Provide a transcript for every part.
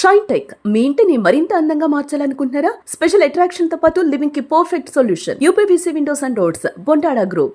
Shine tech మీ ఇంటిని మరింత అందంగా మార్చాలనుకుంటున్నారా? స్పెషల్ అట్రాక్షన్ తో పాటు లివింగ్ కి perfect solution. UPVC windows and doors, Bontada group.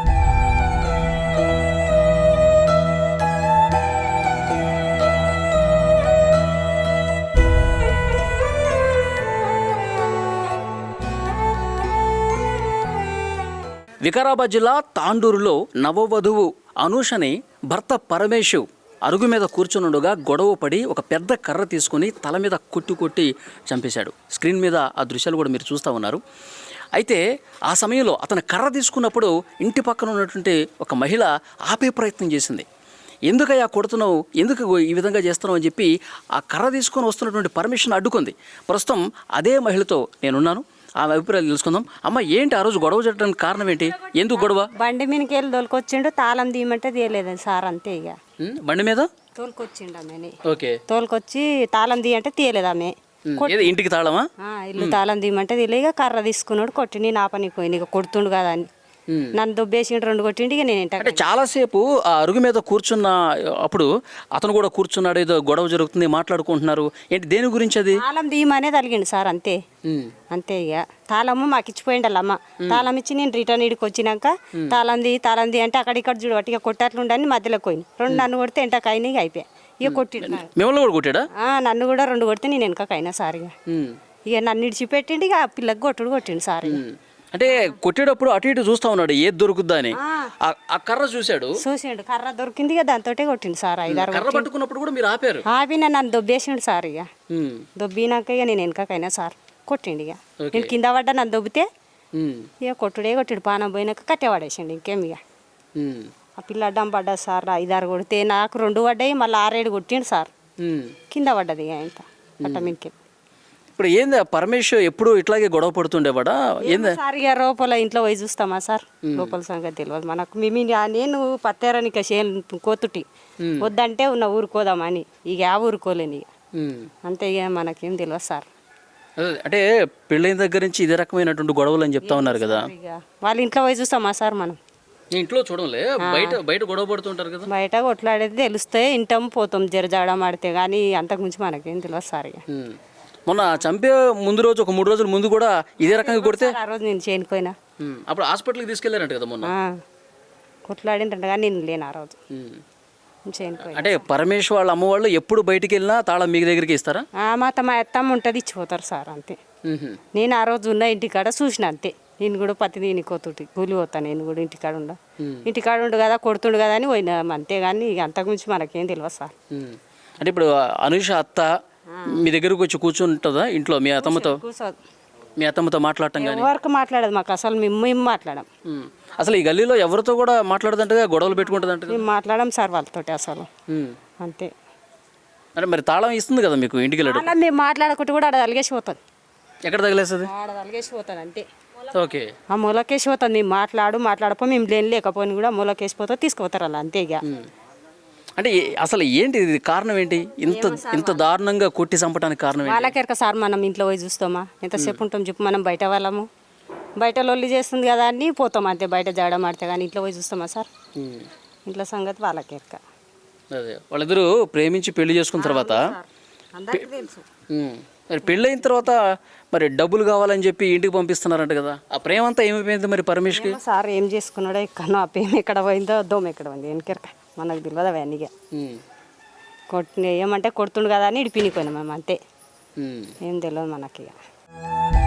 Vikarabad జిల్లా తాండూరులో నవవధువు అనూషని భర్త పరమేశు అరుగు మీద కూర్చునుండగా గొడవ పడి ఒక పెద్ద కర్ర తీసుకుని తల మీద కొట్టి చంపేశాడు. స్క్రీన్ మీద ఆ దృశ్యాలు కూడా మీరు చూస్తూ ఉన్నారు. అయితే ఆ సమయంలో అతను కర్ర తీసుకున్నప్పుడు ఇంటి పక్కన ఉన్నటువంటి ఒక మహిళ ఆపే ప్రయత్నం చేసింది. ఎందుకయ్యా కొడుతున్నావు, ఎందుకు ఈ విధంగా చేస్తున్నావు అని చెప్పి ఆ కర్ర తీసుకొని వస్తున్నటువంటి పర్మిషన్ అడ్డుకుంది. ప్రస్తుతం అదే మహిళతో నేనున్నాను, ఆమె అభిప్రాయాలు తెలుసుకుందాం. అమ్మ, ఏంటి ఆ రోజు గొడవ చేయడానికి కారణం ఏంటి? ఎందుకు గొడవ? బండి మీదకి వెళ్ళి తోలుకొచ్చిండు, తాళం తీయమంటే తీయలేదు సార్, అంతే. ఇక బండి మీద తోలుకొచ్చిండు ఆమెని. ఓకే, తోలుకొచ్చి తాళం తీయంటే తీయలేదు ఆమె. ఇంటికి తాళమా? ఇల్లు తాళం తీయమంటే తీయలే. ఇక కర్ర తీసుకున్నాడు, కొట్టి నా పనికి పోయింది. ఇక కొడుతుండు కదా అని నన్ను దొబ్బేసిండు, 2 కొట్టిండి. ఇక నేను అంటే చాలాసేపు ఆ అరుగు మీద కూర్చున్న అప్పుడు అతను కూడా కూర్చున్నాడు, ఏదో గొడవ జరుగుతుంది, మాట్లాడుకుంటున్నారు. ఏంటి, దేని గురించి అది? తాళం తీయమనే తలిగిండు సార్, అంతే. అంతే. ఇక తాళము మాకు ఇచ్చిపోయిండాలి అమ్మ. తాళం ఇచ్చి నేను రిటర్న్ ఇడికి వచ్చినాక తాళం తీ అంటే అక్కడిక్కడ చూడు అట్టిగా కొట్టట్లుండని మధ్యలోకి పోయింది. 2 నన్ను కొడితే ఎంటకైనా ఇక అయిపోయా. ఇక కొట్టిండు. మిమ్మల్ని కూడా కొట్టాడా? నన్ను కూడా 2 కొడితే నేను వెనకైనా సార్. ఇక నన్ను ఇడిచిపెట్టిండు, ఇక ఆ పిల్లకి కొట్టిండు సార్. అంటే కొట్టేటప్పుడు అటు ఇటు చూస్తా ఉన్నాడు, ఏది దొరుకుద్దా అని. ఆ కర్ర చూసిండు, కర్ర దొరికింది, ఇక దాంతో కొట్టిండు సార్. 5-6 కర్ర పట్టుకున్నప్పుడు కూడా మీరు ఆపారు? ఆపిన నన్ను దొబ్బేసిండు సార్. ఇక దొబ్బినాక ఇక నేను వెనకైనా సార్ కొట్టిండు. ఇక నేను కింద పడ్డా, నన్ను దొబ్బితే ఇక కొట్టిడు. పానం పోయినాక కట్టెవాడేసిండు. ఇంకేం ఇక ఆ పిల్ల అడ్డం పడ్డా సార్. 5-6 కొడితే నాకు 2 పడ్డాయి, మళ్ళీ 6-7 కొట్టిండు సార్. కింద పడ్డది ఇక ఇంత కట్ట మీదకి. ఇప్పుడు ఏంది పరమేశ్వర్ ఎప్పుడు ఇట్లాగే గొడవ పడుతుండేవాడా? ఏంది సార్ ఇక లోపల ఇంట్లో పోయి చూస్తామా సార్? లోపల సంగతి తెలియదు మనకు. నేను పత్తేరానిక కోతుటి వద్దంటే ఉన్న ఊరుకోదామని, ఇక ఆ ఊరుకోలేని ఇక అంతే. ఇక మనకేం తెలియదు సార్. అంటే పెళ్ళైన దగ్గర నుంచి ఇదే రకమైనటువంటి గొడవలు అని చెప్తా ఉన్నారు కదా. ఇక వాళ్ళ ఇంట్లో పోయి చూస్తామా సార్ మనం? ఇంట్లో చూడలే, బయట గొడవ పడుతుంటారు కదా. బయట కొట్లాడేది తెలుస్తే ఇంటాం పోతాం, జరజాడం ఆడితే, కానీ అంతకుమించి మనకేం తెలియదు సార్. ఇక మొన్న చంపే ముందు రోజు, ఒక 3 రోజుల ముందు కూడా ఇదే రకంగా కొడితే ఆ రోజు నేను చేయకపోయినా అప్పుడు హాస్పిటల్కి తీసుకెళ్ళారంట కదా మొన్న. కొట్లాడింట కానీ నేను లేను ఆ రోజు, చేయకపోయినా. అంటే పరమేశ్వర్ వాళ్ళ అమ్మ వాళ్ళు ఎప్పుడు బయటికి వెళ్ళినా తాళం మీ దగ్గరికి ఇస్తారా? మా అత్తమ్మ ఉంటుంది, ఇచ్చిపోతారు సార్, అంతే. నేను ఆ రోజు ఉన్న ఇంటికాడ చూసిన, అంతే. నేను కూడా పత్తి నేను కోతుటి కూలి పోతాను, నేను కూడా ఇంటికాడ ఉండు కదా, కొడుతుండు కదా అని పోయినా, అంతేగాని అంతకుమించి మనకేం తెలియదు సార్. అంటే ఇప్పుడు అనూష అత్త మీ దగ్గరకు వచ్చి కూర్చుంటుందా ఇంట్లో? మీ అత్తమ్మతో మాట్లాడటం కానీ? ఎవరికి మాట్లాడదు మాకు అసలు, మేము మాట్లాడాం. అసలు ఈ గల్లీలో ఎవరితో కూడా మాట్లాడదంటగా, గొడవలు పెట్టుకుంటుంది అంటే? మేము మాట్లాడాం సార్ వాళ్ళతో అసలు, అంతే. అంటే మరి తాళం ఇస్తుంది కదా మీకు ఇంటికి వెళ్ళడం? అలా మేము మాట్లాడుకుంటూ కూడా ఆడ తలిగేసిపోతుంది. ఎక్కడ తగిలేస్తుంది? ఆడ తలిగేసిపోతుంది, అంతే. ఓకే, ఆ మూలకేసిపోతుంది. మేము మాట్లాడపో మేము లేకపోయినా కూడా మూలకేసిపోతా, తీసుకుపోతారు అలా, అంతే. ఇక అంటే అసలు ఏంటి ఇది, కారణం ఏంటి? ఇంత దారుణంగా కొట్టి చంపడానికి కారణం ఏంటి? వాళ్ళకెరక సార్, మనం ఇంట్లో పోయి చూస్తామా? ఎంతసేపు ఉంటాం చెప్పు? మనం బయట వాళ్ళము, బయట లొల్లి చేస్తుంది కదా అని పోతాం, అంతే. బయట జాడం ఆడితే కానీ ఇంట్లో పోయి చూస్తామా సార్? ఇంట్లో సంగతి వాళ్ళకెరక. అదే, వాళ్ళిద్దరూ ప్రేమించి పెళ్లి చేసుకున్న తర్వాత, మరి పెళ్ళైన తర్వాత మరి డబ్బులు కావాలని చెప్పి ఇంటికి పంపిస్తున్నారంట కదా. ఆ ప్రేమ అంతా ఏమైపోయింది మరి పరమేశ్కి? సార్ ఏం చేసుకున్నాడో ఎక్కడో, ఆ ప్రేమ ఎక్కడ పోయిందో, దోమ ఎక్కడ పోయింది వెనకెరక మనకు తెలియదు అవన్నీ. ఏమంటే కొడుతుండు కదా అని ఇడిపినిపోయినాం మేము, అంతే. ఏం తెలియదు మనకి.